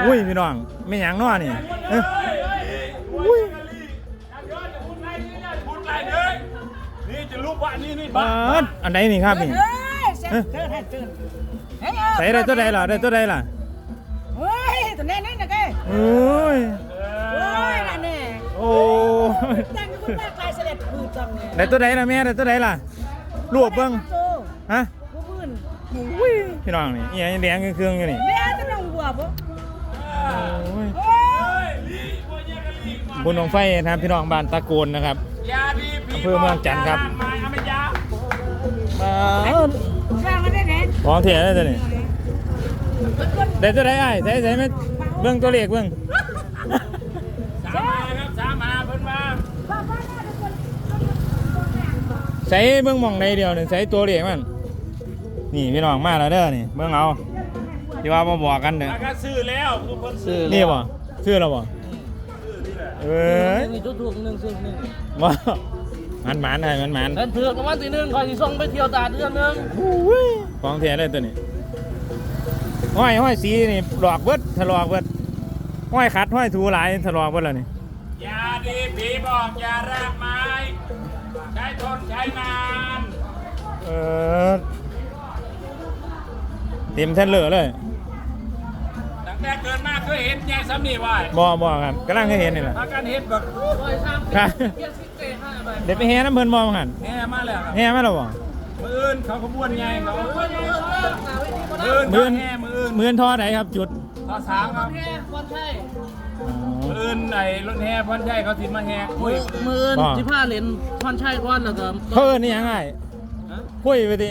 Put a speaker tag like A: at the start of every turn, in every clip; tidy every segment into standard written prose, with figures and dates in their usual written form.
A: อุ้ยพี่น้องไม่หยังน้อนี่อุ้ย
B: นี่จะรูปว่านี่
A: บ้านอันไหนนี่ครับนี่ใส่ได้ตัวใดล่ะได้ตัวใดล่ะ
C: เฮ้ยตัวนี้นี่นะแก
A: โอ้ย
C: นั่นแน่
A: โอ้
C: ตั้งคุณแม่ใครเสด็จคือจังเนี่ย
A: ได้ตัวใดล่ะแม่ได้ตัวใดล่ะรวบเบิ่งฮะอุ้ยพี่น้องนี่อีหยังแดงเครื่องอยู่นี่
C: แม่จะต้องบัวบ่
A: บุญหนองไฟนะครับพี่น้องบ้านตะโกนนะครับอำเภอเมืองจันทร์ครับมาของเถียได้ตัวนี้ได้ตัวไหนไอ้ใส่ไม่เบื้องตัวเลขเบื้อง
B: สามมาเพิ่นมา
A: ใส่เบื้องมองในเดียวนี่ใส่ตัวเลขมันนี่พี่น้องมาแล้วเด้อนี่เบื้องเอาที่ว่ามาบอกกันเด้อ
B: ซื้อแล้วคือเพิ่น
A: ซื้อนี่บ่ซื้อแล้วบ่
D: มีทุกๆหนึ่งซื้อหนึ่ง
A: ว่ามันหมานให้มันหมาน
D: เถือกวันที่หนึ่งคอยที่ส่งไปเที่ยวตาเดือนนึง
A: ของเถียได้ตัวนี้ห้อยสีนี่หลอกเบิดถลอกเบิดห้อยขัดห้อยถูหลายถลอกเบิดแล้วนี่
B: ยาดีผีบอกยารากไม้ใช้ทนใช้นาน
A: เต็มแท่นเหลือเลย
B: ตั้งแต่เกิดมาเคยเห็นยังซ้ำนี่
A: ว่าบ่ครับกำลังเคยเห็นนี่แหละ
B: พากันเห็นแบบ
A: เด็กไปแห่น้ำเพิ่นมองหัน
B: แห่มาแล้ว
A: แห่มาแล้วบ่
B: มืออื่นเขาขบวนไงเขา
A: มือทอไหนครับจุด
B: ทอสามครับมืออื่นไหนรถแห่พอนใช่เขาสิมาแห่คุย
D: มือที่ผ้าเลนพอนใช่ก้อนแล้วก็
A: เพิ่นนี่ยังไงคุยไปดิ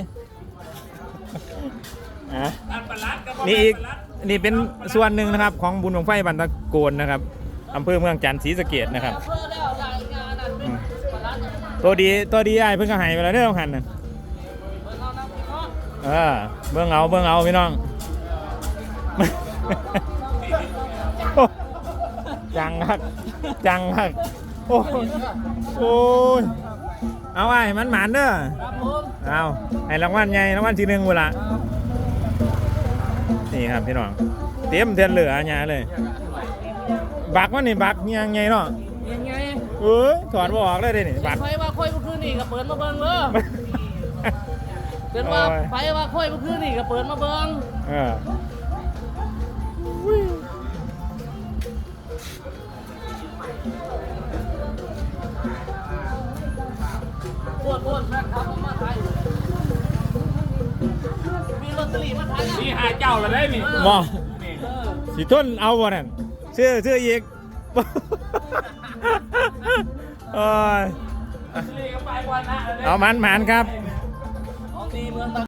A: นี่อีกนี่เป็นส่วนหนึ่งนะครับของบุญหลวงไฟบันตะโกนนะครับอำเภอเมืองจันทร์ศรีสะเกษนะครับตัวดีไอ้เพิ่งก็หายไปแล้วเด้อหันน่ะเบื้องเอาพี่น้องจังฮักโอ้ยเอาไอ้มันหมานเด้อเอาให้รางวัลใหญ่รางวัลที่1เวลานี่ครับพี่น้องเตรียมเทียนเหลือหยาเลยบักว่านี่บักยังไงเนาะ
D: ยังไง
A: ถอดบ่ออกเลยนี่บัก
D: ไฟว่าค่อยเมื่อคืนนี่ก็เปิดมาเบิ่งเลยเป็นว่าไฟว่าค่อยเมื่อคืนนี่ก็เปิดมาเบิ่งปวดครับมาไทยมีลอตเตอรี่มาไทย
B: นี่หาเจ้าละได้นี่
A: มอสิทนเอาบ่นั่นชื่ออีกเอามันครับ